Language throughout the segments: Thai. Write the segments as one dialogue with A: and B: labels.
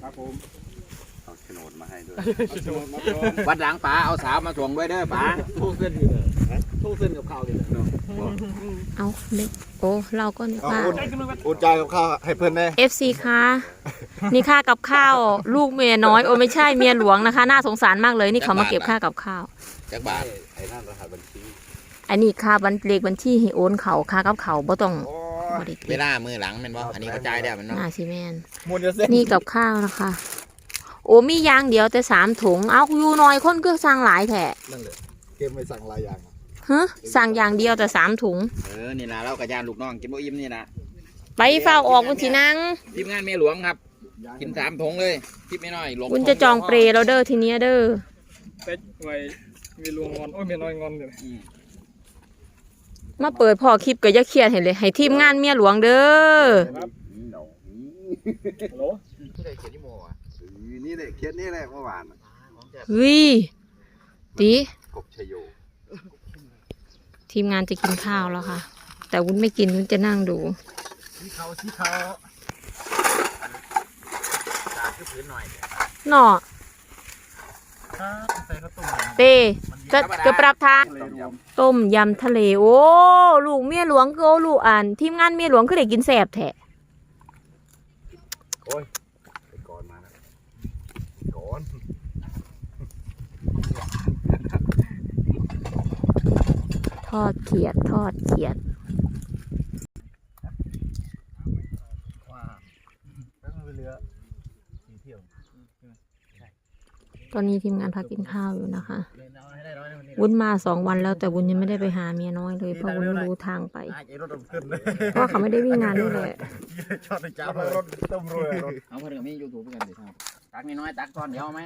A: ครับผม
B: เอาโฉนดมาให้ด้วย
C: วัดหลังป๋าเอาสาวมาถ่วงด้วยเด้อป๋า
A: โชว์เส้นอยู่เลยโชว์เส้นกับข้าวอยู่เลย
D: เอาเด็กโอ้เราก็นึกว่า
A: อุ่นใจกับข้าวให้เพื่อนแน่
D: FC ค่ะนี่ค่ากับข้าวลูกเมียน้อยโอ้ไม่ใช่เมียหลวงนะคะน่าสงสารมากเลยนี่เขามาเก็บค่ากับข้าว
C: จักบาท
B: ไอ้นั่นรหัสบัญชี
D: อันนี้ค่าเลขบัญชีให้โอนเขาค่ากับเขาบ่ต้องบ่ได้
C: เว
D: เก็บ
C: ลามือหลังแมันบ่อันนี้กระจายได้มันเนาะ
D: น่าสิแม่น
A: มวนจะเส้น
D: นี่กับข้าวนะคะ โอ้มีอย่างเดียวแต่3 ถุงเอาอยู่น้อยคนก็สั่งหลายแท้
A: นั่นเลยเกมไม่สั่งหลายอย่าง
D: ฮะสั่งอย่างเดียวแต่3 ถุง
C: นี่นะเรากระยานลูกน้องกินบ่อิ่มนี่นะ
D: ไปเฝ้าออกมันสินัง
C: ทีมงานเมียหลวงครับกิน3 ถุงเลยคิดไม่น้อยลง
D: คุณจะจองเปรเราเด้อทีเนี้ยเด้อ
A: เป็ดไว้มีลวงงอนโอ้ยเมียน้อยงอนเลย
D: มาเปิดพอคลิปก็อย่าเครียดให้เลยให้ทีมงานเมียหลวงเด้อ
A: ครับฮัลโหล
C: ที่ได้เขียนที่โมอ่ะ
B: นี่แหละเคสนี่แหละเมื่อวาน
D: เฮ้ยตี
B: กบชโย
D: ทีมงานจะกินข้าวแล้วค่ะ แต่วุ้นไม่กินวุ้นจะนั่งดู
A: สีขาวสีขาว
C: คือพื้นหน่อย
D: หน่อ
A: ครับใส่ข้าวต้ม
D: เตจะปรับทางต้มยำทะเลโอ้ลูกเมียหลวงก็ลูกทีมงานเมียหลวงก็ได้กินแซ่บแท้
B: ไปก่อนมาแล้วก่อน
D: ทอดเขียดทอดเขียด
A: ว้าแล้วมันเรือสีเที่ยว
D: ตอนนี้ทีมงานพักกินข้าวอยู่นะคะวุ้นมา2 วันแล้วแต่วุ้นยังไม่ได้ไปหาเมียน้อยเลยเพราะวุ้นไม่รู้ทางไป
A: ไอ้รถขึ้นเลย
D: เพราะว่าเขาไม่ได้วิ่งงานนี่แหละ
A: ชอบไปจ้ารถต้มรวยรถ
C: เอาเพื่อนกับมียูทูบกันสิครับตักน้อยตักตอนเดียวไหม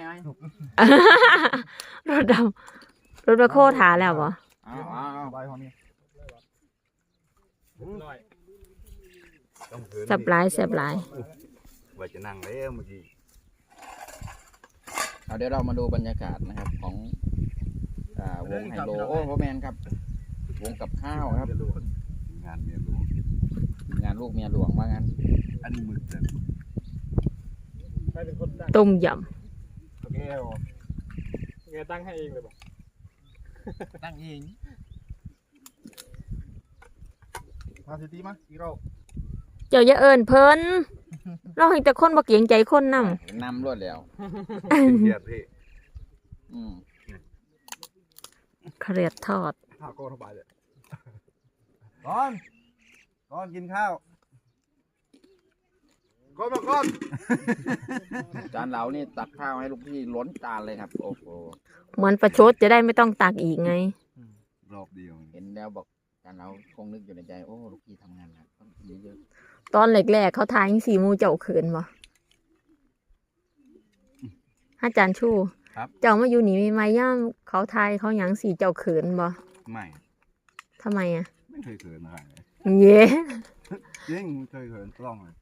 D: รถดำรถมาโคถาแล้วเหรอ
C: เอา
A: ใบของนี่น้อย
B: ต้องเหิน
D: แซ่บหลายแซ่บหลาย
B: ว่าจะนั่งแล้วเมื่อกี้
C: เอาเดี๋ยวเรามาดูบรรยากาศนะครับของวงไฮโลโอ้พ่อแมนครับวงกับข้าวครับ
B: งานเมียหลวง
C: งานลูกเมียหลวงว่างั้น
B: อันนี้มึกแต่
A: ใครเป็นคนตั้ง
D: ต้มย
A: โอเคโอ้แกตั้งให้เองเลยป่ะ
C: ตั้งเอง
A: มาสิตีมาอีกรอบ
D: ำเจ้าอย่าเอิญเพิ่นเราเห็นแต่คนบ่เกรงใจคนน
C: นำรวดแล้ว
B: เกียรติพี่
D: ำเครียดทอด
A: ข้าวก็สบายเลย
B: ก่อนกินข้าวก่อนมาก่อน
C: จานเรานี่ตักข้าวให้ลูกพี่ล้นจานเลยครับโอ้โห
D: เหมือนประชดจะได้ไม่ต้องตักอีกไง
B: รอบเดียว
C: เห็นแล้วบอกจานเราคงนึกอยู่ในใจโอ้ลูกพี่ทำงานหนักต้องกินเยอะ
D: ตอนแรกๆเขาทายยังสีมูเจ้าเขินบ่อาจารย์ชูเจ้ามาอยู่นี่ใหม่ๆย่ามเขาทายเขาหยังสีเจ้าเขินบ่
B: ไม่
D: ทำไมอ่ะ
B: ไม่เคยเขินอะไรเลย
D: เย้
B: จริงไม่เคยเขินกล้องเลย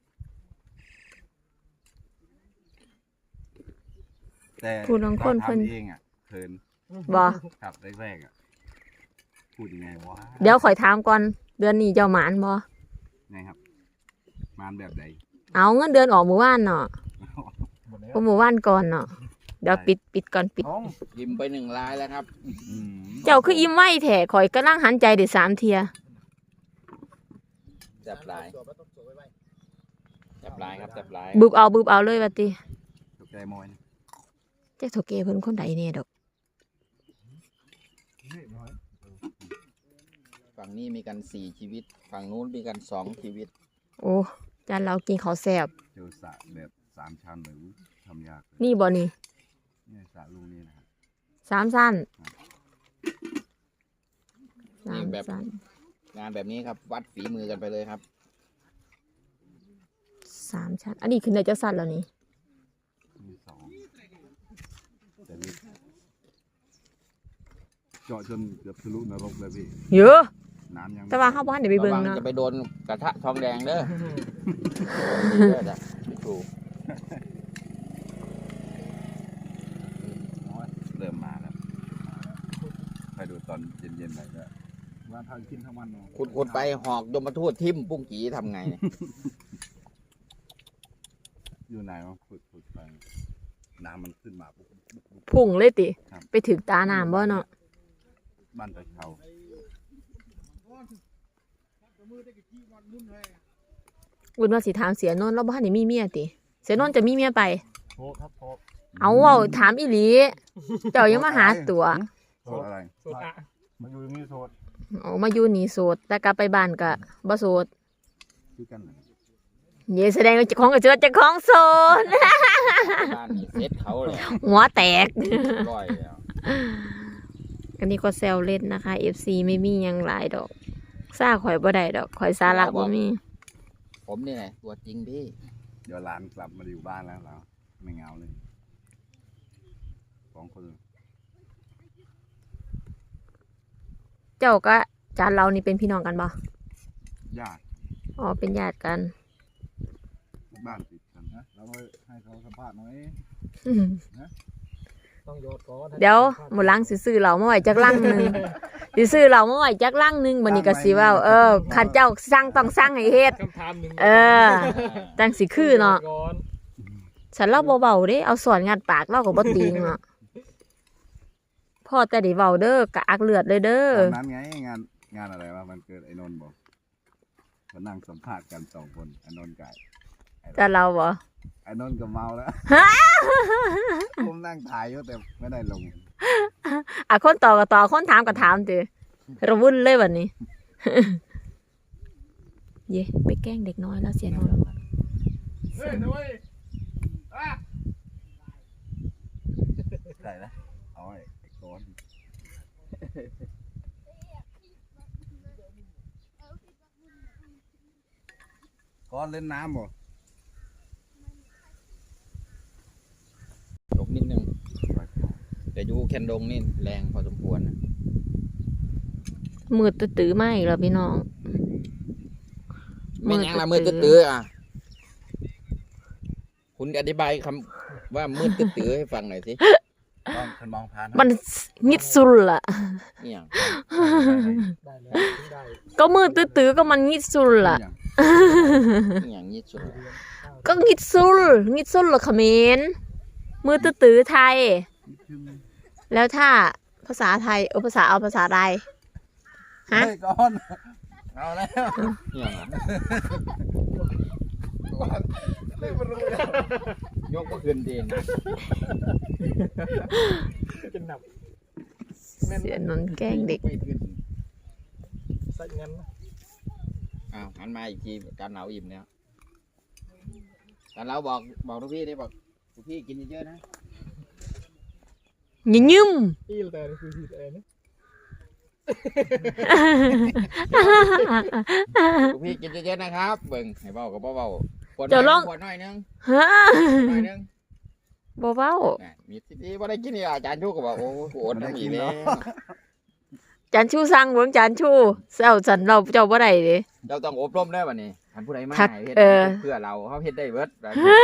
B: แต่
D: ผู้น้องคนเพิ่น
B: ทำเองอ่ะเขิน
D: บ่
B: ครับแรกๆอ่ะพูดยังไงวะ
D: เดี๋ยวข่อยถามก่อนเดือนนี้เจ้าหมานบ่
B: ไงครับมานแบบใด
D: เอาเงินเดือนออกหมู่บ้านเนาะ
A: หมดแล้ว
D: ก็หมู่บ้านก่อนเนาะเดี๋ยวปิดก่อนปิด
A: น้อง
C: ยิ้มไป1 ลายแล้วครับ
B: อืม
D: เจ้าคืออิ่มไว้แท้ข่อยกำลังหันใจได้3 เทีย
C: แซ่บหลายแซ่บหลายครับแซ่บหลาย
D: บึบเอาเลยว่าติ
B: ตกใจมอยนะ
D: เจ้าโทเกเพิ่นคนใดแน่ดอก
C: ฝั่งนี้มีกัน4 ชีวิตฝั่งนู้นมีกัน2 ชีวิต
D: โอ้จานเรากินข้าวแซ่บ
B: เจอสระแบบ3 ชั้นเลยอุ๊ยทำยากเลย
D: นี่บ่นี่
B: เนี่ยสระลูกนี่นะครับ
D: 3 สั้น
C: นี่
D: 3
C: แบบ
D: สั้น
C: งานแบบนี้ครับวัดฝีมือกันไปเลยครับ
D: 3 ชั้นอันนี้คือในจะสั้นแล้วนี่
B: มี2แต่นี่เจาะจนเกือบทะลุนรกเลยพี่
D: เยอะ
B: น้ำยัง
D: แต่ว่าเฮาบ่ทันได้ไป
C: ระ
D: เบิ่ง
C: วัง
D: เนาะ
C: จะไปโดนกระทะทองแดงเด้อเด้อจ้ะไม่ถูก
B: เริ่มมาแล้วไปดูตอนเย็นๆหน่อยก็
A: มาทางกินทั้งวันเนาะ
C: ขุดไปหอกยมทูตทิ่มปุ้งกีทำไงเนี่ย
B: อยู่ไหนายว่าฝึกไปน้ำมันขึ้นมาปุ๊บ
D: พุ่งเลยติ
B: ครับ
D: ไปถึงตาน้ำบ่เนาะ
B: บ้านตะเขา
D: วุ้นว่าสิถามเสียนนท์แล้วบ้านนี่มีเมียติเสียนนท์จะมีเมียไป
A: โทษครับโทษ
D: เอาถามอีหลีเจ้ายังมาหาตัว
B: โทษอะไร
A: โทษมาอยู่นี่โทษ
D: เอามาอยู่นี่โสดแต่กลับไปบ้านก็บ่โสด
B: คือกันเหรอ
D: เย่แสดงว่าเจ้าของก็เจอเจ้าของโสด
C: บ้านนี่เซ็ตเขาเลย
D: หัวแตก
C: ร้อยแล้ว
D: อันนี้ก็แซวเล่นนะคะ FC ไม่มีหยังหลายดอกซ่าข่อยบ่ได้ดอกข่อยสาระบ่มี
C: ผมนี่ไงตัวจริงพี่
B: เดี๋ยวหลานกลับมาอยู่บ้านแล้วเราไม่เหงาเลย2 คน
D: เจ้าก็จานเรานี่เป็นพี่น้องกันบ่
B: ญาติ
D: อ๋อเป็นญาติกัน
B: บ้านติดกัน
A: นะเราให้เขาสัมภาษณ์หน่อย
D: อืม
A: ต้องโยนก่อน
D: เดี๋ยวหมดลังสิซื้อเหล่ามาไว้จักลังหนึงสิซื้อเหล่ามาไว้จักลังหนึงบัดนี้ก็สิเว้าคันเจ้าสั่งต้องสั่งให้เฮ็ด
A: คำถามหนึ่ง
D: จังสิคือเนาะ
A: ก่อน
D: ฉันเล่าเบาๆเด้เอาสอนงัดปากเล่าก็บ่ติงเนาะพ่อแต่ได้เว้าเด้อกะอักเลือดเลยเด้อ
B: ตอนนั้นไงงานอะไรวะมันเกิดไอ้นนท์บอกมานั่งสัมภาษณ์กัน2 คนไอ้นนท์กับ
D: แต่เราบ่
B: ไอ้นนท์ก็เมาแล้วผมนั่งถ่ายอยู่แต่ไม่ได้ลง
D: คนต่อก็ต่อคนถามก็ถามติระวุ่นเลยบัดนี้ เย่ไปแกล้งเด็กน้อยแล้วเสียนนท์
A: เฮ้ยนุ้ย
B: ได้นะเอาไอ้ก้อนก้อนเล่นน้ำบ่
C: ยกนิดนึงแต่ยูแคนดงนี่แรงพอสมควรนะ
D: มืดตื้อๆมาอีกแล้วพี่น้อง
C: ไม่ยังละมืดตื้อๆอ่ะคุณอธิบายคำว่ามืดตื้อๆให้ฟังหน่อยสิ
B: ต้องฉันมองผ่าน
D: มันงิดสุดล่ะ
C: นี่อย่าง
A: ได้แล้วได้
D: ก็มืดตื้อๆก็มันงิดสุดล่ะ
C: นี่อย่างนี้สุด
D: ก็งิดสุดล่ะเขมรมืดตื้อๆไทย แล้วถ้าภาษาไทยภาษาใดฮะ
B: เฮ้ยก้อนเอาแล้ว
C: นี่อย่างนั้น
B: ก้อนไม่รู้แล้ว
C: ยกก็คืนดีนะ
A: จะหนับ
D: เสียนนท์แกล้งเด็ก
C: ไม่ขึ้น
A: ใส่เงินนะ
C: อ้าวหันมาอีกทีการเหนาอิ่มแล้วแต่เราบอกทุกพี่ได้บอกทุกพี่กินเยอะๆนะ
D: ยืม
A: อีลแต่คือทีแต่เนี่ย
C: ทุกพี่กินเยอะๆนะครับเบิ่งให้เบากับเบาขวด
D: เจ้าลอง
C: ขวดหน่อยนึง
D: ฮะ
C: หน่อยนึง
D: บ่เว้า
C: น่ะมีที่ว่าได้กินนี่อาจารย์ชูก็บอกโอ้โหอดน้ำอีกแล้ว
D: จานชูสั่งเบิ่งจานชูเจ้าสันเราเจ้าบ่ได้เด้
C: เจ้าต้องอบรมได้วันนี้ท่านผู้ใดมา
D: ทัก
C: ให้เฮ็ด
D: เพื่
C: เพื่อเราเขาเฮ็ดได้เบิด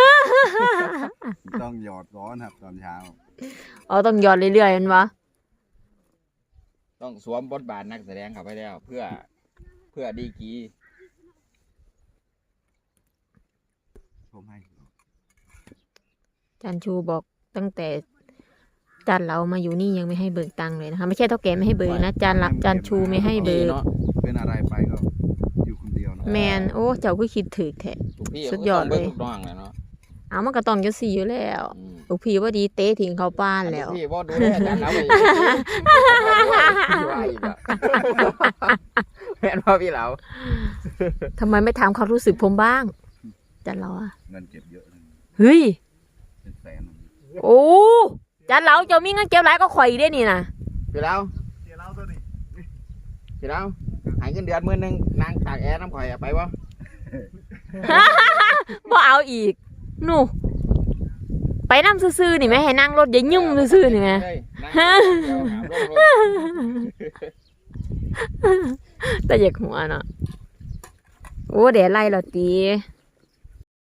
B: ต้องหยอดก้อนครับตอนเช้า
D: อ๋อต้องหยอดเรื่อยๆแม่นบ่
C: ต้องสวมบทบาทนักแสดงเข้าไปแล้ว เพื่อดีกรี
B: ผมให้
D: จานชูบอกตั้งแต่จานเรามาอยู่นี่ยังไม่ให้เบิกตังค์เลยนะคะไม่ใช่เท่าแก่ไม่ให้เบิกนะจานชูไม่ให้เบิก
C: เนาะ
B: เป็นอะไรไปก็อยู่คนเดียวเนาะ
D: แมนโอ้เจ้าก็คิดถึกแท้
C: ทุกพี่
D: สุดยอดเลย
C: ก็ต้องบิ่งทุกน้องแหละเนาะ
D: เอามันก็ต้องจะสี่อยู่แล้ว
C: อืม
D: ลูกพี่ว่าดีเตะทิ้งเขาป้านแล้ว
C: ทุกพี่บ่ดูแลอาจารย์เราไปว่าอีกแล้วแม่นว่าพี่เรา
D: ทำไมไม่ถามความรู้สึกผมบ้างจานเราอะ
B: เงินเก็บเยอะเลย
D: เฮ้ย
B: เป็นแสน
D: โอ้จานเราเจ้ามีเงินเก็บหลายก็ข่อยได้นี่นะ
C: พี่เรา
A: เดี๋ยวเราตัวนี้
C: พี่เราหายเงินเดือนมื้อนึงนางตากแอร์น้ำข่อยอะไปบ่
D: บ่เอาอีกหนูไปนั่งซื่อๆนี่ไหมให้นั่งรถอย่ายุ่งซื่อๆนี่ไหม
C: เฮ้ยนั่งเดี๋ยวหามลงรถ
D: แต่อยากหัวเนาะโอ้เดี๋ยวไล่เราตี